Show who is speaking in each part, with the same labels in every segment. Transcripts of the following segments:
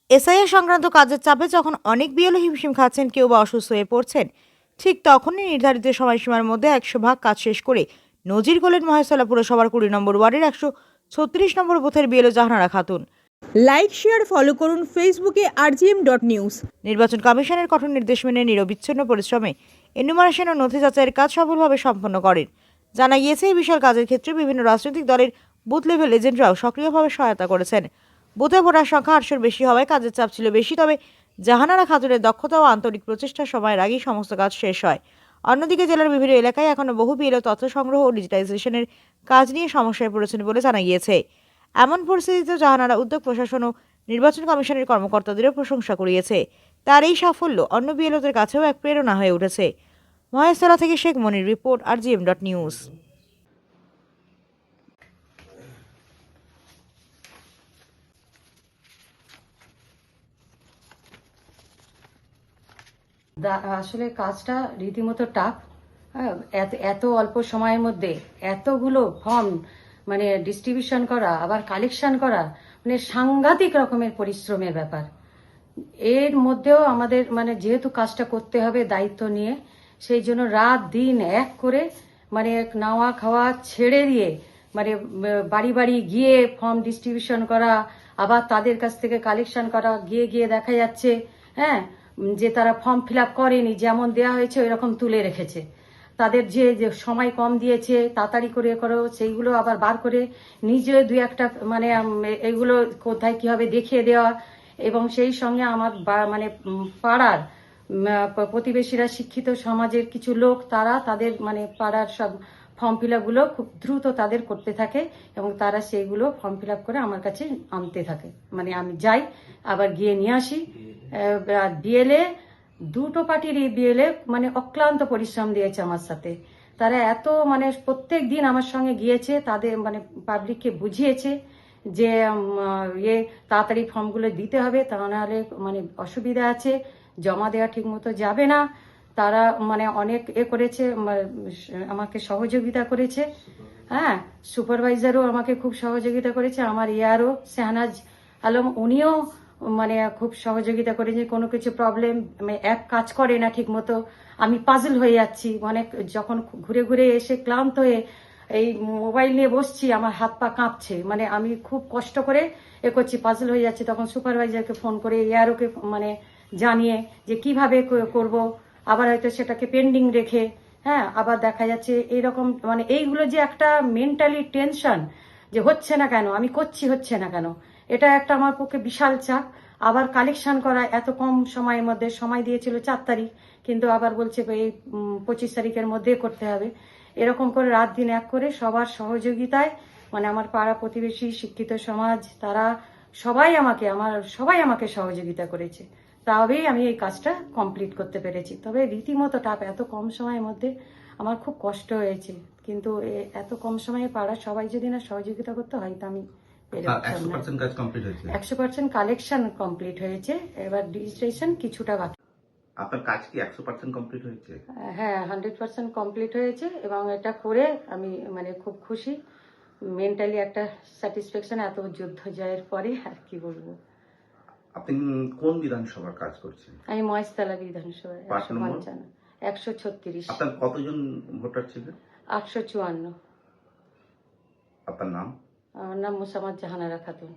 Speaker 1: SIR সংক্রান্ত কাজের চাপে যখন অনেক বিএলও হিমশিম খাচ্ছেন, কেউ বা অসুস্থ হয়ে পড়ছেন, ঠিক তখনই নির্ধারিত সময়সীমার মধ্যে 100% কাজ শেষ করে নজির করলেন মহেশতলা পুরসভার 20 নম্বর ওয়ার্ডের 136 নম্বর বুথের BLO Jahanara Khatun.
Speaker 2: Like share follow করুন ফেসবুকে rgm.news।
Speaker 1: নির্বাচন কমিশনের কঠোর নির্দেশ মেনে নিরবিচ্ছিন্ন পরিশ্রমে এনুমারেশন ও নথি যাচাইয়ের কাজ সফলভাবে সম্পন্ন করেন। জানা গিয়েছে, এই বিশাল কাজের ক্ষেত্রে বিভিন্ন রাজনৈতিক দলের বুথ লেভেল এজেন্টরাও সক্রিয়ভাবে সহায়তা করেছেন। বুথে ভোটার সংখ্যা 800-র বেশি হওয়ায় কাজের চাপ ছিল বেশি, তবে জাহানারা খাতুনের দক্ষতা ও আন্তরিক প্রচেষ্টার সময়ের আগেই সমস্ত কাজ শেষ হয়। অন্যদিকে জেলার বিভিন্ন এলাকায় এখনও বহু বিএলও তথ্য সংগ্রহ ও ডিজিটাইজেশনের কাজ নিয়ে সমস্যায় পড়েছেন বলে জানা গিয়েছে। এমন পরিস্থিতিতে জাহানারা উদ্যোগ প্রশাসন ও নির্বাচন কমিশনের কর্মকর্তাদেরও প্রশংসা কুড়িয়েছে। তার এই সাফল্য অন্য বিএলওদের কাছেও এক প্রেরণা হয়ে উঠেছে। মহেশতলা থেকে শেখ মনির রিপোর্ট, rgm.news।
Speaker 3: আসলে কাজটা রীতিমতো টাফ। এত এত অল্প সময়ের মধ্যে এতগুলো ফর্ম মানে ডিস্ট্রিবিউশন করা, আবার কালেকশন করা, মানে সাংঘাতিক রকমের পরিশ্রমের ব্যাপার। এর মধ্যেও আমাদের মানে যেহেতু কাজটা করতে হবে দায়িত্ব নিয়ে, সেই জন্য রাত দিন এক করে মানে নাওয়া খাওয়া ছেড়ে দিয়ে মানে বাড়ি বাড়ি গিয়ে ফর্ম ডিস্ট্রিবিউশন করা, আবার তাদের কাছ থেকে কালেকশন করা, গিয়ে গিয়ে দেখা যাচ্ছে হ্যাঁ যে তারা ফর্ম ফিল আপ করেনি, যেমন দেওয়া হয়েছে ওই রকম তুলে রেখেছে। তাদের যে সময় কম দিয়েছে তাড়াতাড়ি করে করো, সেইগুলো আবার বার করে নিজে দুই একটা মানে এগুলো কোথায় কিভাবে দেখিয়ে দেওয়া। এবং সেই সঙ্গে আমার মানে পাড়ার প্রতিবেশীরা, শিক্ষিত সমাজের কিছু লোক, তারা তাদের মানে পাড়ার সব ফর্ম ফিল আপগুলো খুব দ্রুত তাদের করতে থাকে এবং তারা সেইগুলো ফর্ম ফিল আপ করে আমার কাছে আনতে থাকে। মানে আমি যাই আবার গিয়ে নিয়ে আসি। বিএলএ দুটো পার্টিরই বিএলএ মানে অক্লান্ত পরিশ্রম দিয়েছে আমার সাথে। তারা এত মানে প্রত্যেক দিন আমার সঙ্গে গিয়েছে, তাদের মানে পাবলিককে বুঝিয়েছে যে তাড়াতাড়ি ফর্মগুলো দিতে হবে, তা নাহলে মানে অসুবিধা আছে, জমা দেওয়া ঠিক মতো যাবে না। তারা মানে অনেক করেছে, আমাকে সহযোগিতা করেছে। হ্যাঁ, সুপারভাইজারও আমাকে খুব সহযোগিতা করেছে। আমার এআরও শাহনাজ আলম, উনিও মানে খুব সহযোগিতা করেছে। কোনো কিছু প্রবলেম অ্যাপ কাজ করে না ঠিক মতো, আমি পাজল হয়ে যাচ্ছি। অনেক যখন ঘুরে ঘুরে এসে ক্লান্ত হয়ে এই মোবাইল নিয়ে বসছি, আমার হাত পা কাঁপছে, মানে আমি খুব কষ্ট করে করছি, পাজল হয়ে যাচ্ছে। তখন সুপারভাইজারকে ফোন করে এআরওকে মানে জানিয়ে যে কিভাবে করব, আবার হয়তো সেটাকে পেন্ডিং রেখে হ্যাঁ আবার দেখা যাচ্ছে এইরকম মানে এইগুলো যে একটা মেন্টালি টেনশন, যে হচ্ছে না কেন, আমি করছি হচ্ছে না কেন, এটা একটা আমার পক্ষে বিশাল চাপ। আবার কালেকশন করা এত কম সময়ের মধ্যে, সময় দিয়েছিল 4 তারিখ, কিন্তু আবার বলছে এই 25 তারিখের মধ্যে করতে হবে। এরকম করে রাত দিন এক করে সবার সহযোগিতায় মানে আমার পাড়া প্রতিবেশী, শিক্ষিত সমাজ, তারা সবাই আমাকে সহযোগিতা করেছে। তবেই আমি এই কাজটা কমপ্লিট করতে পেরেছি। তবে রীতিমতো টাপ, এত কম সময়ের মধ্যে আমার খুব কষ্ট হয়েছে, কিন্তু এত কম সময়ে পাড়ার সবাই যদি না সহযোগিতা করতে হয় তা আমি 100% কালেকশন কমপ্লিট হয়েছে, এবার ডিজিটাইজেশন কিছুটা বাকি।
Speaker 4: আপনার কাজ কি 100% কমপ্লিট হয়েছে?
Speaker 3: হ্যাঁ, 100% কমপ্লিট হয়েছে এবং এটা করে আমি মানে খুব খুশি। মেন্টালি একটা স্যাটিসফ্যাকশন, এত যুদ্ধ জয়ের পরে আর কি বলবো।
Speaker 4: আপনি কোন বিধানসভার কাজ করছেন?
Speaker 3: আমি মহেশতলা বিধানসভায় 136।
Speaker 4: আপনার কতজন ভোটার ছিলেন?
Speaker 3: 854।
Speaker 4: আপনার নাম?
Speaker 3: আমার নাম মোসাম্মদ জাহানারা খাতুন।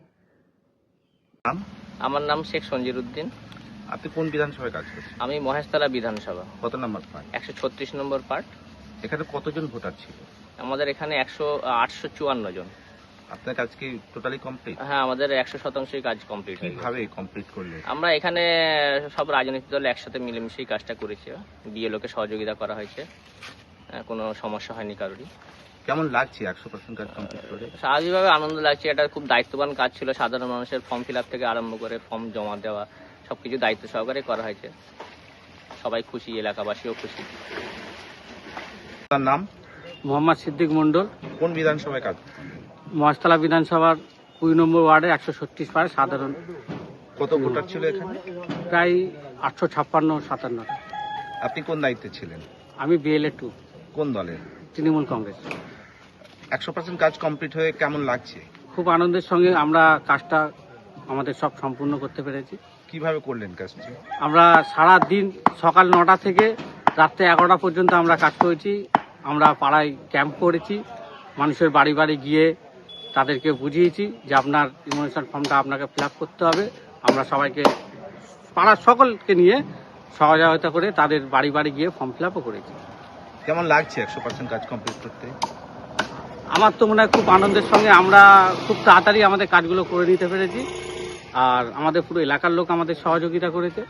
Speaker 5: আমার নাম শেখ সঞ্জির উদ্দিন।
Speaker 4: আপনি কোন বিধানসভায় কাজ করছেন?
Speaker 5: আমি মহেশতলা বিধানসভা
Speaker 4: কত নম্বর পার্ট?
Speaker 5: 136 নম্বর পার্ট।
Speaker 4: এখানে কতজন ভোটার ছিল?
Speaker 5: আমাদের এখানে 854 জন।
Speaker 4: আপনার কাজ কি টোটালি কমপ্লিট?
Speaker 5: হ্যাঁ, আমাদের 100%ই কাজ কমপ্লিট হয়ে গেছে।
Speaker 4: কিভাবে কমপ্লিট করলেন?
Speaker 5: আমরা এখানে সব রাজনৈতিক দল একসাথে মিলেমিশেই কাজটা করেছি। বিএলওকে সহযোগিতা করা হয়েছে, কোনো সমস্যা হয়নি কারোরই।
Speaker 4: কেমন লাগছে 100% কাজ কমপ্লিট করে?
Speaker 5: স্বাভাবিকভাবে আনন্দ লাগছে। এটা খুব দায়িত্ববান কাজ ছিল। সাধারণ মানুষের ফর্ম ফিল আপ থেকে আরম্ভ করে ফর্ম জমা দেওয়া সবকিছু দায়িত্ব সহকারে করা হয়েছে। সবাই খুশি, এলাকাবাসীও খুশি।
Speaker 4: আপনার নাম?
Speaker 6: মোহাম্মদ সিদ্দিক মন্ডল।
Speaker 4: কোন বিধানসভায় কাজ?
Speaker 6: মহেশতলা বিধানসভার 20 নম্বর ওয়ার্ডে 136 পাড়ে সাধারণ।
Speaker 4: কত ভোটার ছিল এখানে?
Speaker 6: প্রায় 856-57।
Speaker 4: আপনি কোন দায়িত্বে ছিলেন?
Speaker 6: আমি বিএলএ 2।
Speaker 4: কোন দলের?
Speaker 6: তৃণমূল কংগ্রেস।
Speaker 4: 100% কাজ কমপ্লিট হয়ে কেমন লাগছে?
Speaker 6: খুব আনন্দের সঙ্গে আমরা কাজটা আমাদের সব সম্পূর্ণ করতে পেরেছি।
Speaker 7: কিভাবে করলেন কাজটি?
Speaker 6: আমরা সারা দিন সকাল 9টা থেকে রাত্রে 11টা পর্যন্ত আমরা কাজ করেছি। আমরা পাড়ায় ক্যাম্প করেছি, মানুষের বাড়ি বাড়ি গিয়ে তাদেরকে বুঝিয়েছি যে আপনার ইমোশন ফর্মটা আপনাকে ফিল আপ করতে হবে। আমরা সবাইকে পাড়ার সকলকে নিয়ে সহযোগিতা করে তাদের বাড়ি বাড়ি গিয়ে ফর্ম ফিল আপও করেছি।
Speaker 7: কেমন লাগছে 100% কাজ কমপ্লিট করতে?
Speaker 6: আমার তো মনে হয় খুব আনন্দের সঙ্গে আমরা খুব তাড়াতাড়ি আমাদের কাজগুলো করে নিতে পেরেছি, আর আমাদের পুরো এলাকার লোক আমাদের সহযোগিতা করেছে।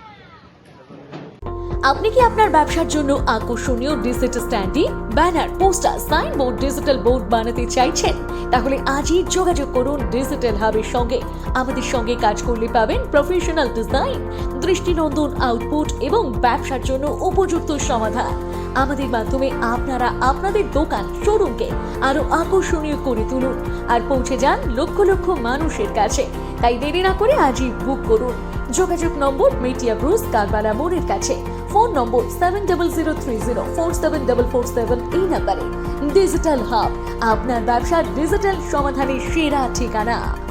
Speaker 8: আপনি কি আপনার ব্যবসার জন্য আকর্ষণীয় digital standing, banner, poster, signboard, digital board বানাতে চাইছেন? তাহলে আজই যোগাযোগ করুন ডিজিটাল হাবের সঙ্গে। আমাদের সঙ্গে কাজ করলে পাবেন প্রফেশনাল ডিজাইন, দৃষ্টিনন্দন আউটপুট এবং ব্যবসার জন্য উপযুক্ত সমাধান। আমাদের মাধ্যমে আপনারা আপনাদের দোকান, শোরুমকে আরো আকর্ষণীয় করে তুলুন আর পৌঁছে যান লক্ষ লক্ষ মানুষের কাছে। তাই দেরি না করে আজই বুক করুন। যোগাযোগ নম্বর মেটিয়া ব্রুস, কারবালা মোড়ের কাছে। ফোন নম্বর 7003047447 এই নাম্বারে। ডিজিটাল হাব, আপনার ব্যবসার ডিজিটাল সমাধানের সেরা ঠিকানা।